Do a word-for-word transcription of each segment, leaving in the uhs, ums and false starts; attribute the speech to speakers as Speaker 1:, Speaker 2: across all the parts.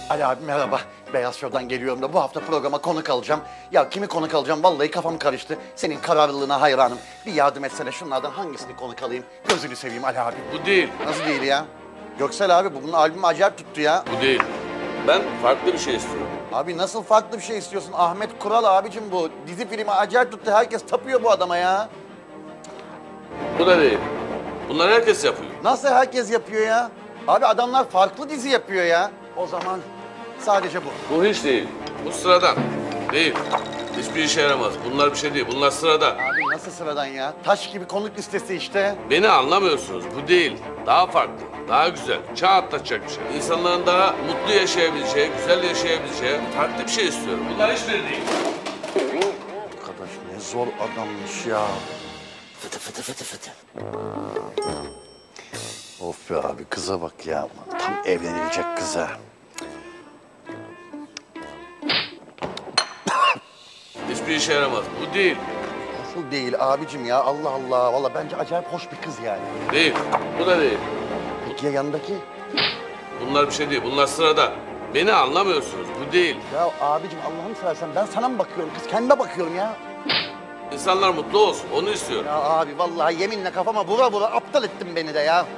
Speaker 1: Ali abi merhaba. Beyaz Show'dan geliyorum da bu hafta programa konuk alacağım. Ya kimi konuk alacağım vallahi kafam karıştı. Senin kararlılığına hayranım. Bir yardım etsene şunlardan hangisini konuk alayım? Gözünü seveyim Ali abi.
Speaker 2: Bu değil.
Speaker 1: Nasıl değil ya? Göksel abi bu bunun albümü acayip tuttu ya.
Speaker 2: Bu değil. Ben farklı bir şey istiyorum.
Speaker 1: Abi nasıl farklı bir şey istiyorsun? Ahmet Kural abicim bu. Dizi filmi acayip tuttu. Herkes tapıyor bu adama ya.
Speaker 2: Bu da değil. Bunlar herkes yapıyor.
Speaker 1: Nasıl herkes yapıyor ya? Abi adamlar farklı dizi yapıyor ya. O zaman sadece bu.
Speaker 2: Bu hiç değil. Bu sıradan. Değil. Hiçbir işe yaramaz. Bunlar bir şey değil. Bunlar sıradan.
Speaker 1: Abi nasıl sıradan ya? Taş gibi konuk listesi işte.
Speaker 2: Beni anlamıyorsunuz. Bu değil. Daha farklı. Daha güzel. Çağ atlatacak bir şey. İnsanların daha mutlu yaşayabileceği, güzel yaşayabileceği farklı bir şey istiyorum. Bunlar hiçbiri değil.
Speaker 1: Arkadaş ne zor adammış ya. Fıtı fıtı fıtı fıtı. Of be abi kıza bak ya. Tam evlenilecek kıza.
Speaker 2: Hiçbir işe yaramaz. Bu değil.
Speaker 1: Nasıl değil abicim ya? Allah Allah. Vallahi bence acayip hoş bir kız yani.
Speaker 2: Değil. Bu da değil.
Speaker 1: Peki ya yanındaki?
Speaker 2: Bunlar bir şey değil. Bunlar sıradan. Beni anlamıyorsunuz. Bu değil.
Speaker 1: Ya abicim Allah'ını seversen ben sana mı bakıyorum? Kız kendime bakıyorum ya.
Speaker 2: İnsanlar mutlu olsun. Onu istiyorum.
Speaker 1: Ya abi vallahi yeminle kafama vura vura aptal ettin beni de ya.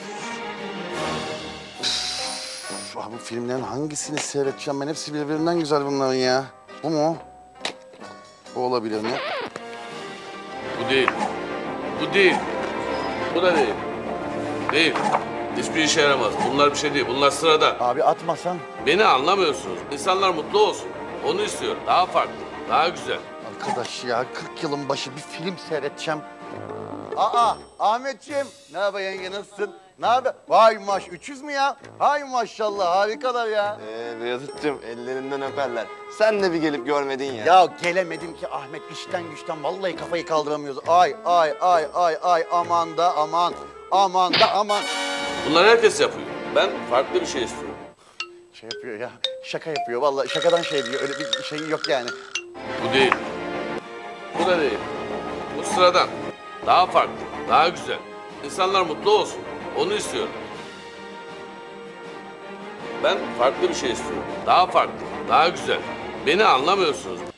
Speaker 1: Üf, abi bu filmlerin hangisini seyredeceğim ben? Hepsi birbirinden güzel bunların ya. Bu mu? Bu olabilir mi?
Speaker 2: Bu değil. Bu değil. Bu da değil. Değil. Hiçbir işe yaramaz. Bunlar bir şey değil. Bunlar sıradan.
Speaker 1: Abi atmasan.
Speaker 2: Beni anlamıyorsunuz. İnsanlar mutlu olsun. Onu istiyorum. Daha farklı. Daha güzel.
Speaker 1: Arkadaş ya kırk yılın başı bir film seyredeceğim. Aa Ahmetciğim. Ne haber yenge nasılsın? Ne haber? Vay maş üç yüz mü ya? Hay maşallah harikalar ya.
Speaker 3: Ee Beyazıt'cığım ellerinden öperler. Sen de bir gelip görmedin ya.
Speaker 1: Ya gelemedim ki Ahmet işten güçten vallahi kafayı kaldıramıyoruz. Ay ay ay ay ay aman da aman. Aman da aman.
Speaker 2: Bunlar herkes yapıyor. Ben farklı bir şey istiyorum.
Speaker 1: Şey yapıyor ya şaka yapıyor vallahi şakadan şey diyor öyle bir şey yok yani.
Speaker 2: Bu değil. Bu da değil. Bu sıradan. Daha farklı. Daha güzel. İnsanlar mutlu olsun. Onu istiyorum. Ben farklı bir şey istiyorum. Daha farklı. Daha güzel. Beni anlamıyorsunuz.